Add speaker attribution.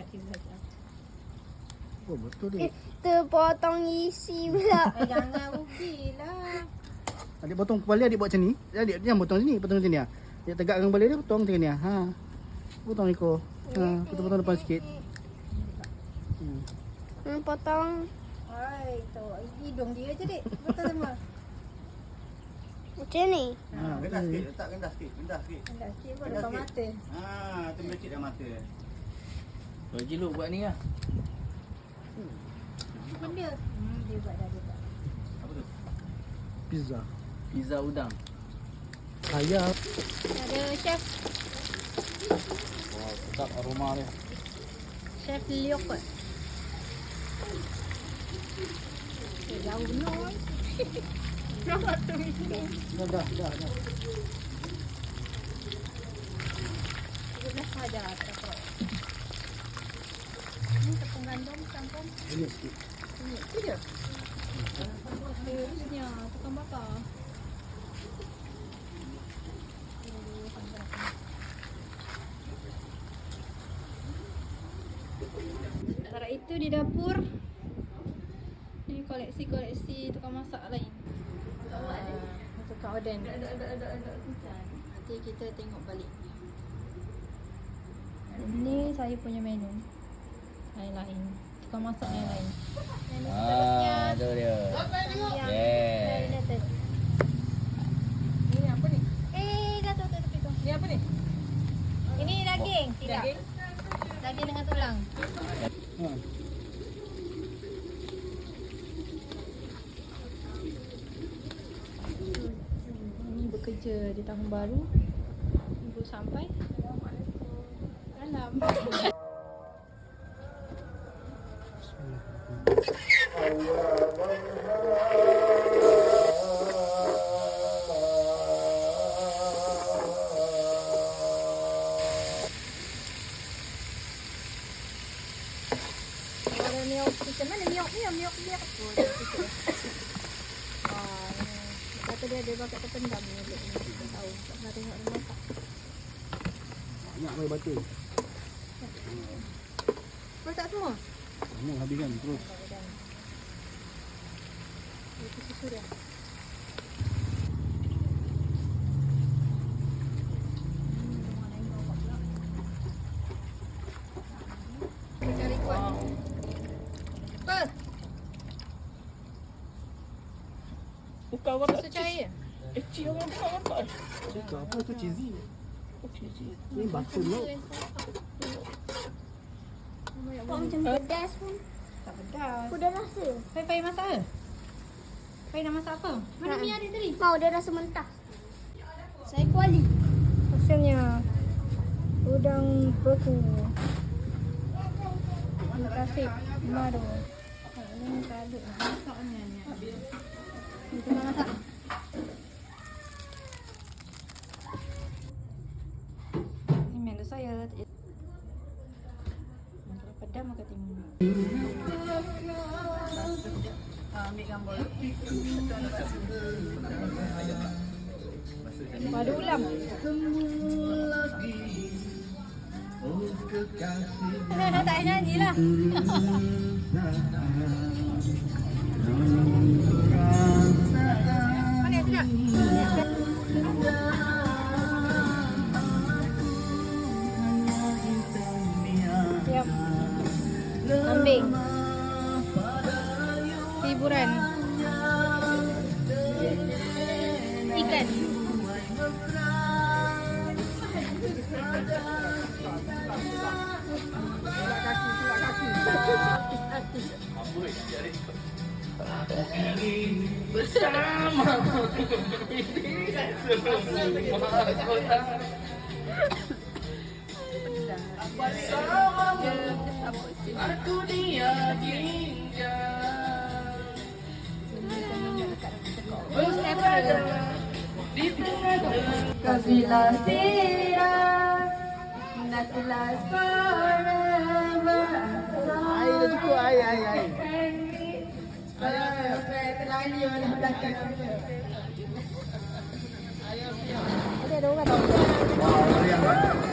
Speaker 1: kaki belajar.
Speaker 2: Oh, betul dia.
Speaker 3: Terpotong isi pula.
Speaker 1: Jangan rugilah.
Speaker 2: Adik potong kepala, adik buat macam ni. Adik jangan potong sini, potong sini. Adik tegakkan kepala dia, potong macam ni. Ha. Potong ekor. Ha, potong depan sikit.
Speaker 3: Potong.
Speaker 1: Hai, tu hidung dia je, Dik. Betul semua.
Speaker 3: Macam ni.
Speaker 2: Ha,
Speaker 4: Rendah sikit, letak rendah sikit. Rendah sikit.
Speaker 1: Dah sikit pun
Speaker 4: Rendah
Speaker 1: depan
Speaker 4: sikit.
Speaker 1: mata.
Speaker 4: Tu melecit dalam mata.
Speaker 5: Bagi lu buat ni lah.
Speaker 1: Benda. Dia buat dah, dia buat.
Speaker 4: Apa tu?
Speaker 2: Pizza.
Speaker 5: Pizza udang.
Speaker 2: Ayam.
Speaker 1: Ada chef.
Speaker 5: Wah, sedap aroma dia.
Speaker 1: Chef Liok kot. Jauh benar. Nampak tu minum.
Speaker 2: Dah.
Speaker 1: Dia saja tak. Ni tepung gandum campur.
Speaker 2: Ini sikit.
Speaker 1: Ini tu je. Serusnya tukang bakar. Sementara itu di dapur ni koleksi tukang masak lain. Tukang oden. Nanti kita tengok balik. Ini saya punya menu. Lain-lain. Tukang masak yang lain. Menu seterusnya.
Speaker 5: Tu dia.
Speaker 1: Yang
Speaker 5: Yeah.
Speaker 1: marinated. Ini apa ni? Dah tu tepi tu. Ni apa ni? Ini daging. Tidak. Daging dengan tulang.
Speaker 2: Ha.
Speaker 1: Ini bekerja di tahun baru. Ibu sampai dalam. Ada miok kita mana miok ni? Miok. Oh, dia tu. Kata dia pakai terpendam ni. Kita tahu. Tak pernah tengok dia masak.
Speaker 2: Banyak air batu.
Speaker 1: Masak semua?
Speaker 2: Kamu habiskan terus.
Speaker 1: Itu susu dia. Kita cari kuat. Apa?
Speaker 5: Bukan
Speaker 1: Susu cair?
Speaker 5: Cik orang bukan.
Speaker 2: Itu apa tu cheesy? Ni batu milk.
Speaker 3: Macam pedas pun.
Speaker 1: Tak pedas.
Speaker 3: Aku dah rasa.
Speaker 1: Pai masak ke? Pai nak masak apa? Mana mi ada tadi?
Speaker 3: Mau dia rasa mentah. Saya kuali.
Speaker 1: Hasilnya udang beku. Terima kasih Mado. Ini kado masaknya ni. Kita masak. Ini menu saya. Pedam ke timun. Ambil gambar. Padu ulam. Tak payah nyanyi lah. Mana yang sedap? Siap. Kambing. Hiburan. Ikan. Kabilah tidak not last forever.
Speaker 2: Air dah cukup, air.
Speaker 1: Ada orang tahu.
Speaker 2: Wah, yang